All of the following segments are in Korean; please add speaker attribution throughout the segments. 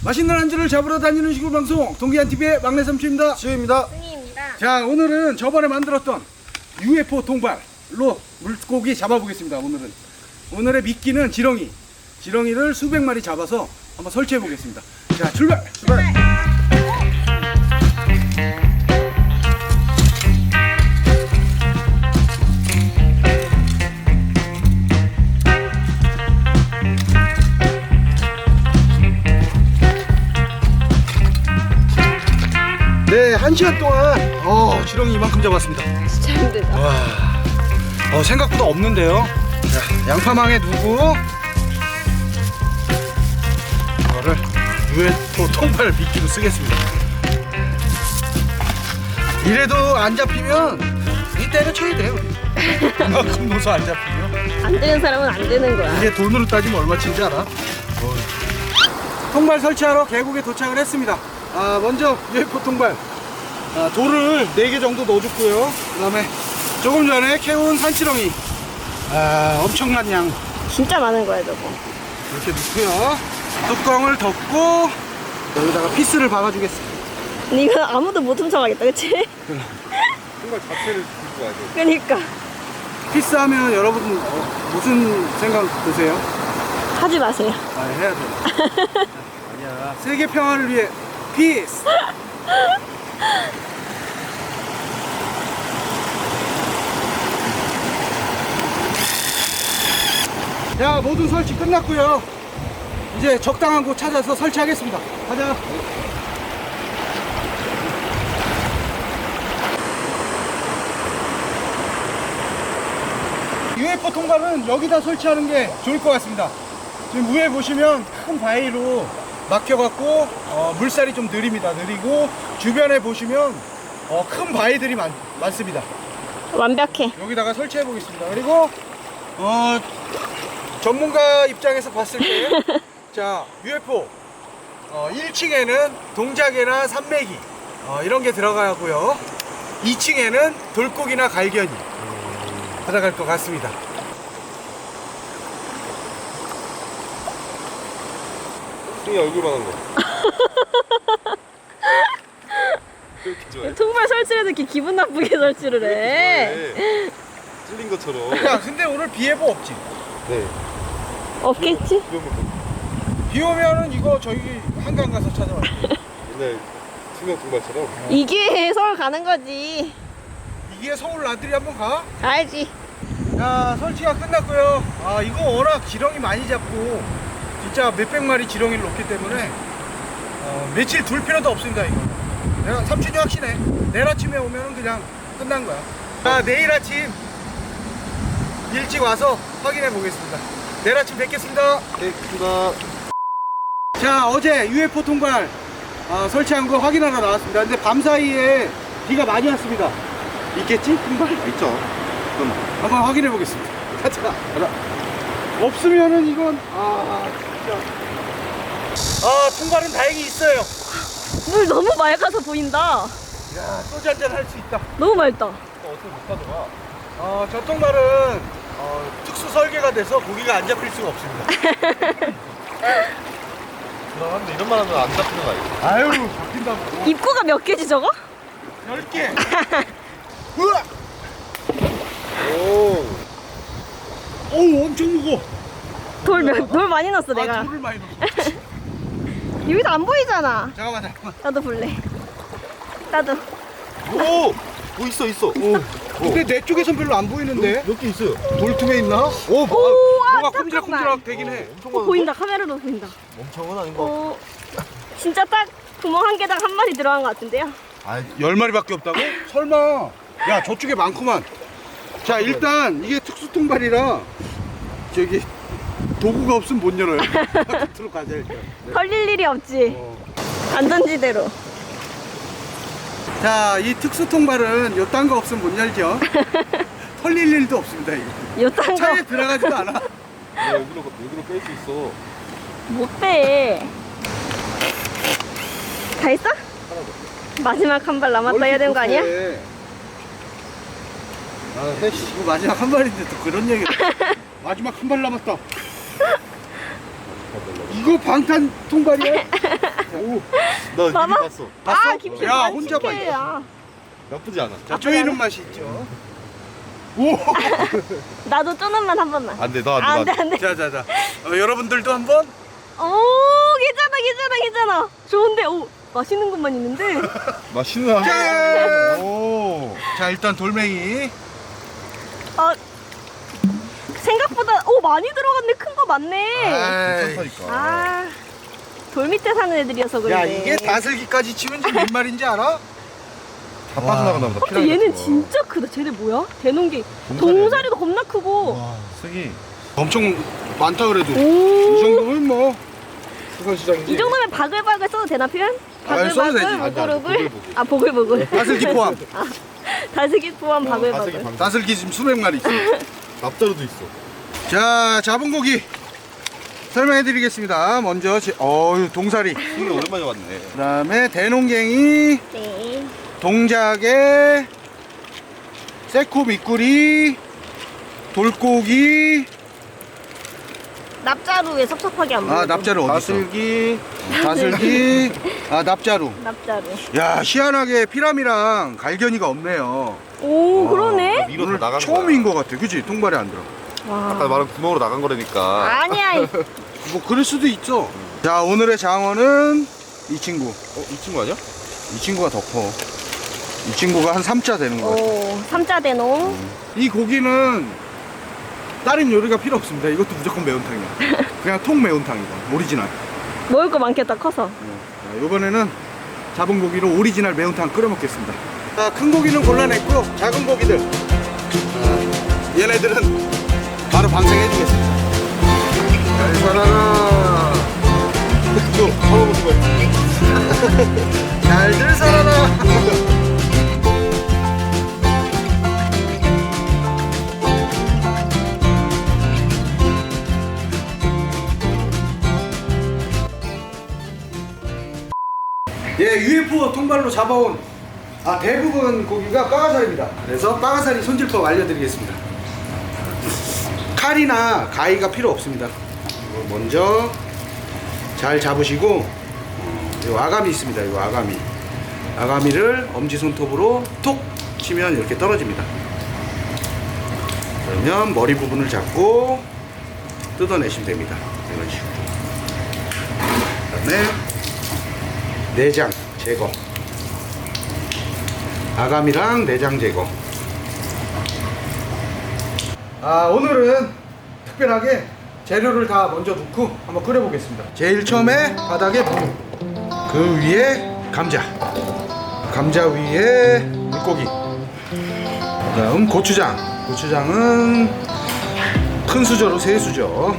Speaker 1: 맛있는 안주를 잡으러 다니는 시골 방송 동기한TV의 막내 삼촌입니다.
Speaker 2: 지우입니다.
Speaker 3: 승희입니다.
Speaker 1: 자, 오늘은 저번에 만들었던 UFO 통발로 물고기 잡아보겠습니다. 오늘의 미끼는 지렁이를 수백 마리 잡아서 한번 설치해 보겠습니다. 자, 출발! 네, 1시간 동안 지렁이 이만큼 잡았습니다.
Speaker 3: 진짜 힘들다.
Speaker 1: 와, 생각보다 없는데요. 자, 양파망에 두고 이거를 UFO 통발 미끼로 쓰겠습니다. 이래도 안 잡히면 이 때려쳐야 돼요. 이만큼 넣어서 안 잡히면
Speaker 3: 안 되는 사람은 안 되는 거야.
Speaker 1: 이게 돈으로 따지면 얼마치인지 알아? 통발 설치하러 계곡에 도착을 했습니다. 먼저 UFO 통발 돌을 4개 정도 넣어줬고요. 그 다음에 조금 전에 캐온 산지렁이 엄청난 양
Speaker 3: 진짜 많은 거야 저거.
Speaker 1: 이렇게 넣고요. 뚜껑을 덮고 여기다가 피스를 박아주겠습니다.
Speaker 3: 근데 이건 아무도 못 훔쳐가겠다, 그치?
Speaker 2: 통발 자체를 들고 와야 돼.
Speaker 3: 그니까
Speaker 1: 피스 하면 여러분 무슨 생각 드세요?
Speaker 3: 하지 마세요.
Speaker 1: 해야 돼. 아니야. 세계 평화를 위해 피스. 자, 모든 설치 끝났고요. 이제 적당한 곳 찾아서 설치하겠습니다. 가자. UFO 통발은 여기다 설치하는 게 좋을 것 같습니다. 지금 위에 보시면 큰 바위로 막혀갖고 물살이 좀 느리고 주변에 보시면 큰 바위들이 많습니다.
Speaker 3: 완벽해.
Speaker 1: 여기다가 설치해 보겠습니다. 그리고 전문가 입장에서 봤을 때 자, UFO 1층에는 동자개나 산메기 이런 게 들어가고요. 2층에는 돌고기나 갈견이 들어갈 것 같습니다.
Speaker 2: 승희 얼굴만 한 거. 그렇게 좋아해.
Speaker 3: 통발 설치를 이렇게 기분 나쁘게 설치를 해.
Speaker 2: 좋아해. 찔린 것처럼.
Speaker 1: 야, 근데 오늘 비 예보 없지?
Speaker 2: 네.
Speaker 3: 없겠지?
Speaker 1: 비 오면은 이거 저희 한강 가서 찾아와요.
Speaker 2: 옛날 투명 통발처럼.
Speaker 3: 이게 서울 가는 거지.
Speaker 1: 이게 서울 나들이 한번 가?
Speaker 3: 알지.
Speaker 1: 자, 설치가 끝났고요. 이거 워낙 지렁이 많이 잡고 진짜 몇백 마리 지렁이를 놓기 때문에 며칠 둘 필요도 없습니다. 이거 내가 삼촌이 확신해. 내일 아침에 오면은 그냥 끝난 거야. 자, 내일 아침 일찍 와서 확인해 보겠습니다. 내일 아침 뵙겠습니다.
Speaker 2: 네, 크다.
Speaker 1: 자, 어제 UFO 통발 설치한 거 확인하러 나왔습니다. 근데 밤 사이에 비가 많이 왔습니다. 있겠지? 통발?
Speaker 2: 있죠. 그럼
Speaker 1: 한번 확인해 보겠습니다. 가자. 없으면은 이건 진짜. 통발은 다행히 있어요.
Speaker 3: 물 너무 맑아서 보인다.
Speaker 1: 야, 소주 한잔 할 수 있다.
Speaker 3: 너무 맑다.
Speaker 2: 어떻게 못 가져가?
Speaker 1: 저 통발은 특수 설계가 돼서 고기가 안 잡힐 수가 없습니다.
Speaker 2: 그런데 이런 말 하면 안 잡히는 거 아니야?
Speaker 1: 아유, 잡힌다고.
Speaker 3: 입구가 몇 개지 저거?
Speaker 1: 10개. 우와!
Speaker 2: 오.
Speaker 1: 어우, 엄청 무거워.
Speaker 3: 돌 많이 넣었어 내가.
Speaker 1: 돌을 많이 넣었어.
Speaker 3: 여기서 안 보이잖아.
Speaker 1: 잠깐만.
Speaker 3: 나도 볼래. 나도.
Speaker 2: 오. 뭐 있어. 오.
Speaker 1: 근데 내 쪽에선 별로 안 보이는데?
Speaker 2: 몇 개 있어요.
Speaker 1: 돌tum에 있나?
Speaker 3: 오,
Speaker 1: 뭐가
Speaker 3: 잠깐만.
Speaker 1: 꼼지락꼼지락 되긴 해.
Speaker 2: 엄청 많은데?
Speaker 3: 보인다. 카메라로 보인다.
Speaker 2: 멍청은 아닌 거.
Speaker 3: 진짜 딱 구멍 한 개당 한 마리 들어간 것 같은데요?
Speaker 1: 10마리밖에 없다고? 설마. 야, 저쪽에 많구만. 자, 일단 이게 특수통발이라 저기 도구가 없으면 못 열어요. 바깥으로 가자 일단.
Speaker 3: 털릴 일이 없지. 안전지대로.
Speaker 1: 자, 이 특수통발은 요딴 거 없으면 못 열죠. 털릴 일도 없습니다. 이거
Speaker 3: 요딴
Speaker 1: 차에
Speaker 3: 거
Speaker 1: 들어가지도 않아.
Speaker 2: 여기로 뺄 수 있어.
Speaker 3: 못 빼. 다 했어? 마지막 한 발 남았다 해야 되는 거 아니야?
Speaker 1: 이거 마지막 한 발인데 또 그런 얘기를. 마지막 한 발 남았다. 이거 방탄 통발이야?
Speaker 2: 나
Speaker 3: 봐봐.
Speaker 2: 이미 봤어.
Speaker 3: 아 김치
Speaker 1: 야, 혼자 봐,
Speaker 3: 반칙해. 아,
Speaker 2: 나쁘지 않아.
Speaker 1: 자, 쪼이는 맛이 있죠.
Speaker 3: 나도 쪼는 맛 한 번만.
Speaker 2: 안 돼, 나
Speaker 3: 아,
Speaker 2: 안 돼.
Speaker 3: 안돼 안돼.
Speaker 1: 자. 여러분들도 한번.
Speaker 3: 오 괜찮아. 좋은데 오 맛있는 것만 있는데.
Speaker 2: 맛있는
Speaker 1: 짠!
Speaker 2: 오.
Speaker 1: 자, 일단 돌멩이.
Speaker 3: 아 생각보다 오 많이 들어갔네. 큰 거 많네.
Speaker 1: 아이,
Speaker 2: 괜찮다니까.
Speaker 3: 아 돌 밑에 사는 애들이어서 그래.
Speaker 1: 야, 이게 다슬기까지 치면 지금 몇 마리인지 알아?
Speaker 2: 다 빠져나간다 보다.
Speaker 3: 근데 얘는 진짜 크다. 쟤네 뭐야? 대농기.
Speaker 2: 동사리
Speaker 3: 동사리도 겁나 크고.
Speaker 2: 와, 승희.
Speaker 1: 엄청 많다 그래도. 이
Speaker 3: 오.
Speaker 1: 정도면 뭐 수산시장이지.
Speaker 3: 이 정도면 바글바글 써도 되나 표현?
Speaker 1: 아, 써도 되지.
Speaker 3: 바글바글
Speaker 2: 안 돼, 안 돼.
Speaker 3: 보글보글.
Speaker 2: 보글보글.
Speaker 3: 아 보글보글.
Speaker 1: 다슬기 포함.
Speaker 3: 다슬기 포함
Speaker 2: 다슬기
Speaker 3: 바글바글.
Speaker 2: 방.
Speaker 1: 다슬기 지금 수백 마리 있어.
Speaker 2: 납자루도 있어.
Speaker 1: 자, 잡은 고기 설명해 드리겠습니다. 먼저 동사리,
Speaker 2: 승희 오랜만에 왔네.
Speaker 1: 그다음에 대농갱이,
Speaker 3: 네.
Speaker 1: 동작에 새코 미꾸리, 돌고기.
Speaker 3: 납자루에 섭섭하게 안 먹어.
Speaker 1: 아, 납자루 어디 있어? 다슬기, 납자루.
Speaker 3: 납자루.
Speaker 1: 야, 희한하게 피라미랑 갈견이가 없네요.
Speaker 3: 오 그러네.
Speaker 2: 위로 다
Speaker 1: 오늘
Speaker 2: 나간
Speaker 1: 처음인
Speaker 2: 거야.
Speaker 1: 것 같아, 그치? 통발에 안 들어.
Speaker 2: 아까
Speaker 3: 와.
Speaker 2: 말한 구멍으로 나간 거라니까.
Speaker 3: 아니야.
Speaker 1: 뭐 그럴 수도 있죠. 자, 오늘의 장어는 이 친구.
Speaker 2: 이 친구 아니야?
Speaker 1: 이 친구가 더 커. 이 친구가 한 3자 되는 것 같아.
Speaker 3: 오 삼자 대농.
Speaker 1: 이 고기는 다른 요리가 필요 없습니다. 이것도 무조건 매운탕이야. 그냥 통 매운탕이고 오리지널.
Speaker 3: 먹을 거 많겠다 커서.
Speaker 1: 자, 이번에는 잡은 고기로 오리지널 매운탕 끓여 먹겠습니다. 자, 큰 고기는 골라냈고요. 작은 고기들. 얘네들은 바로 방생해 주겠습니다. 잘 살아라.
Speaker 2: 또 먹어보는 거야.
Speaker 1: 잘들 살아라. 예, UFO 통발로 잡아온 대부분 고기가 빠가살입니다. 그래서 빠가살이 손질법 알려드리겠습니다. 칼이나 가위가 필요 없습니다. 먼저 잘 잡으시고 이 아가미 있습니다. 이 아가미를 엄지손톱으로 톡 치면 이렇게 떨어집니다. 그러면 머리 부분을 잡고 뜯어내시면 됩니다. 이런 식으로. 그다음에 내장 제거. 아가미랑 내장 제거. 오늘은 특별하게 재료를 다 먼저 넣고 한번 끓여 보겠습니다. 제일 처음에 바닥에 무, 그 위에 감자 위에 물고기, 그다음 고추장은 큰 수저로 3수저,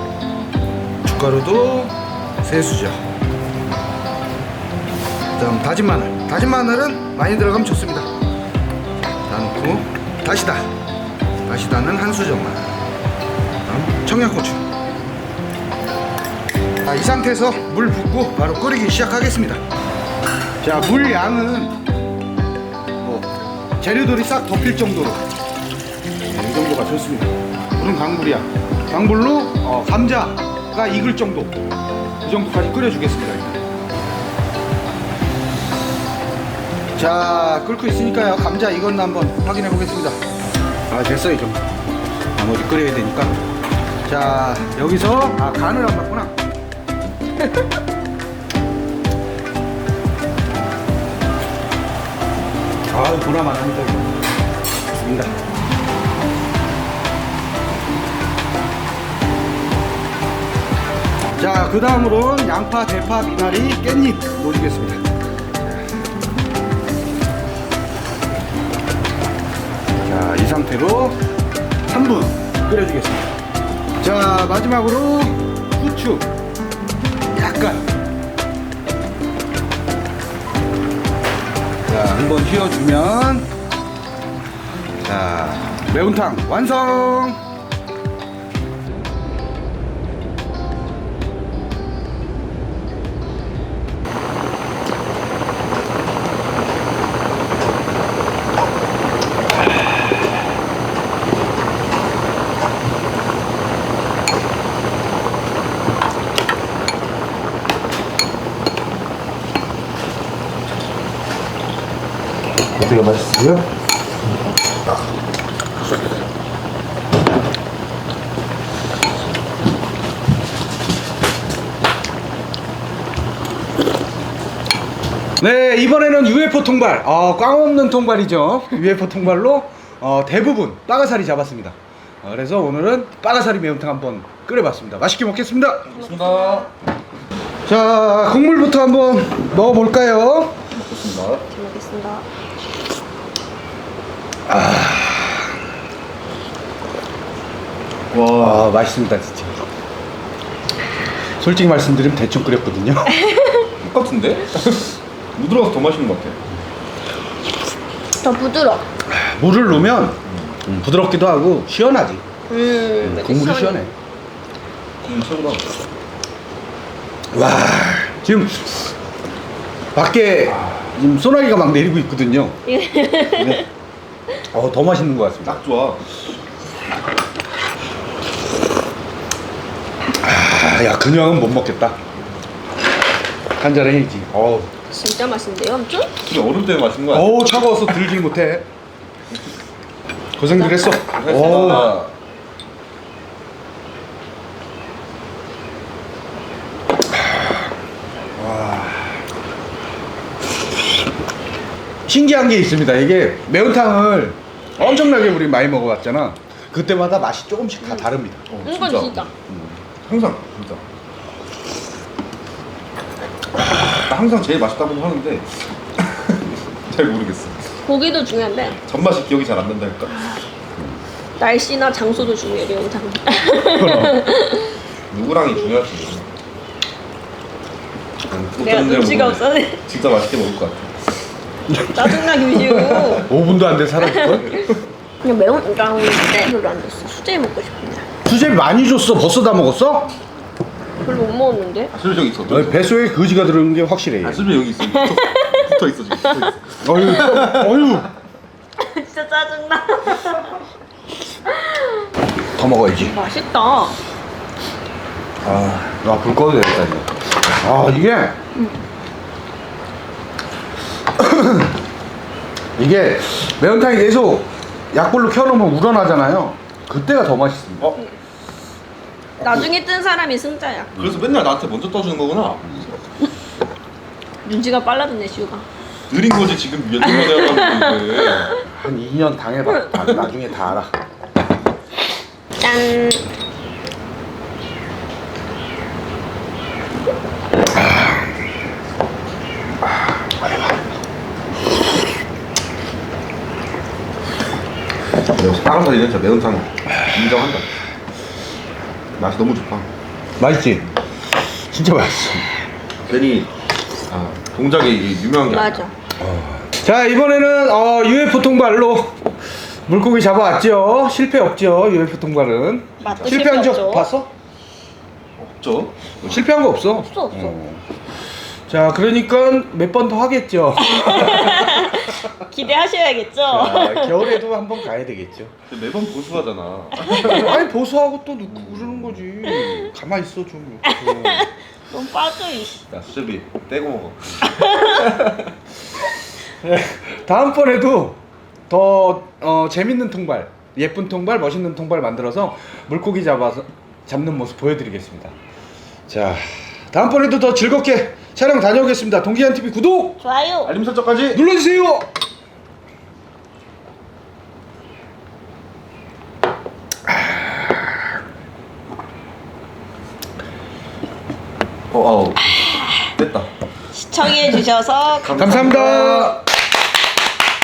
Speaker 1: 춧가루도 3수저, 그다음 다진 마늘은 많이 들어가면 좋습니다. 넣고 다시다는 1수저만, 그다음 청양고추. 이 상태에서 물 붓고 바로 끓이기 시작하겠습니다. 자, 물 양은 재료들이 싹 덮일 정도로, 이 정도가 좋습니다. 물은 강물이야. 강물로 감자가 익을 정도, 이 정도까지 끓여주겠습니다. 일단. 자, 끓고 있으니까요. 감자 익었나 한번 확인해 보겠습니다. 됐어, 이 정도. 나머지 끓여야 되니까. 자, 여기서 간을 안 봤구나. 보나만 합니다. 죽인다. 자, 그 다음으로는 양파, 대파, 미나리, 깻잎 넣어주겠습니다. 자, 이 상태로 3분 끓여주겠습니다. 자, 마지막으로 후추 약간. 자, 한번 휘어주면, 자, 매운탕 완성! 되게 맛있어요. 네, 이번에는 UFO 통발. 꽝 없는 통발이죠. UFO 통발로 대부분 빠가사리 잡았습니다. 그래서 오늘은 빠가사리 매운탕 한번 끓여봤습니다. 맛있게 먹겠습니다.
Speaker 2: 좋습니다.
Speaker 1: 자, 국물부터 한번 먹어볼까요?
Speaker 2: 좋습니다.
Speaker 3: 잘 먹겠습니다.
Speaker 2: 와,
Speaker 1: 맛있습니다, 진짜. 솔직히 말씀드리면 대충 끓였거든요.
Speaker 2: 똑같은데? 무 들어가서 더 맛있는 것 같아.
Speaker 3: 더 부드러.
Speaker 1: 물을 넣으면 부드럽기도 하고 시원하지. 국물이 시원해.
Speaker 2: 최고다.
Speaker 1: 와, 지금 밖에 지금 소나기가 막 내리고 있거든요. 네. 더 맛있는 것 같습니다.
Speaker 2: 딱 좋아.
Speaker 1: 야, 그냥은 못 먹겠다. 한잔 해야지.
Speaker 3: 진짜 맛있는데요, 엄청?
Speaker 2: 근데 얼음 때문에 맛있는 거야.
Speaker 1: 차가워서 들질 못해. 고생들 했어.
Speaker 2: 고생했습니다.
Speaker 1: 신기한 게 있습니다. 이게 매운탕을 엄청나게 우리 많이 먹어봤잖아. 그때마다 맛이 조금씩 다 다릅니다.
Speaker 3: 이건 진짜.
Speaker 2: 항상 진짜. 나 항상 제일 맛있다고 하는데 잘 모르겠어.
Speaker 3: 고기도 중요한데
Speaker 2: 전맛이 기억이 잘 안 난다니까.
Speaker 3: 날씨나 장소도 중요해, 매운탕.
Speaker 2: 누구랑이 중요하지.
Speaker 3: 내가 눈치가 없어.
Speaker 2: 진짜 맛있게 먹을 것 같아.
Speaker 3: 짜증나게 미시고.
Speaker 1: 5분도 안 돼 살았걸?
Speaker 3: 그냥 매운탕 별로 안 됐어. 수제비 먹고 싶은데.
Speaker 1: 수제비 많이 줬어. 벌써 다 먹었어?
Speaker 3: 별로 못 먹었는데.
Speaker 2: 아, 수저 여기 있어.
Speaker 1: 뱃속에 거지가 들어있는 게 확실해.
Speaker 2: 아, 수저 여기 있어. 붙어 있어 지금. 붙어 있어.
Speaker 1: 어휴.
Speaker 3: 진짜 짜증나.
Speaker 1: 더 먹어야지.
Speaker 3: 맛있다.
Speaker 1: 불 꺼도 되겠다 이제. 이게 이게 매운탕이 계속 약불로 켜놓으면 우러나잖아요. 그때가 더 맛있습니다.
Speaker 3: 나중에 뜬 사람이 승자야.
Speaker 2: 그래서 맨날 나한테 먼저 떠주는 거구나.
Speaker 3: 눈치가 빨라졌네, 시우가.
Speaker 2: 느린 거지 지금 몇 년만에 하는데.
Speaker 1: 한 2년 당해봐. 나중에 다 알아.
Speaker 3: 짠.
Speaker 2: 빠가사리는 진짜 매운탕 인정한다. 맛이 너무 좋다.
Speaker 1: 맛있지? 진짜 맛있어.
Speaker 2: 괜히 동작이 이게 유명한 게
Speaker 3: 맞아.
Speaker 1: 자, 이번에는 UFO 통발로 물고기 잡아왔죠. 실패 없죠. UFO 통발은.
Speaker 3: 맛도
Speaker 1: 실패한
Speaker 3: 실패
Speaker 1: 적
Speaker 3: 없죠.
Speaker 1: 봤어?
Speaker 2: 없죠.
Speaker 1: 실패한 거 없어?
Speaker 3: 없어.
Speaker 1: 자, 그러니까 몇 번 더 하겠죠.
Speaker 3: 기대하셔야겠죠.
Speaker 1: 자, 겨울에도 한번 가야 되겠죠.
Speaker 2: 근데 매번 보수하잖아.
Speaker 1: 아니, 보수하고 또 넣고 그러는 거지. 가만히 있어 좀.
Speaker 3: 너무 빠져, 이씨.
Speaker 2: 야 수제비 떼고 먹어.
Speaker 1: 다음번에도 더 재밌는 통발, 예쁜 통발, 멋있는 통발 만들어서 물고기 잡는 모습 보여드리겠습니다. 자, 다음번에도 더 즐겁게 촬영 다녀오겠습니다. 동기한TV 구독!
Speaker 3: 좋아요.
Speaker 2: 알림 설정까지.
Speaker 1: 눌러주세요!
Speaker 2: 됐다.
Speaker 3: 시청해주셔서
Speaker 1: 감사합니다.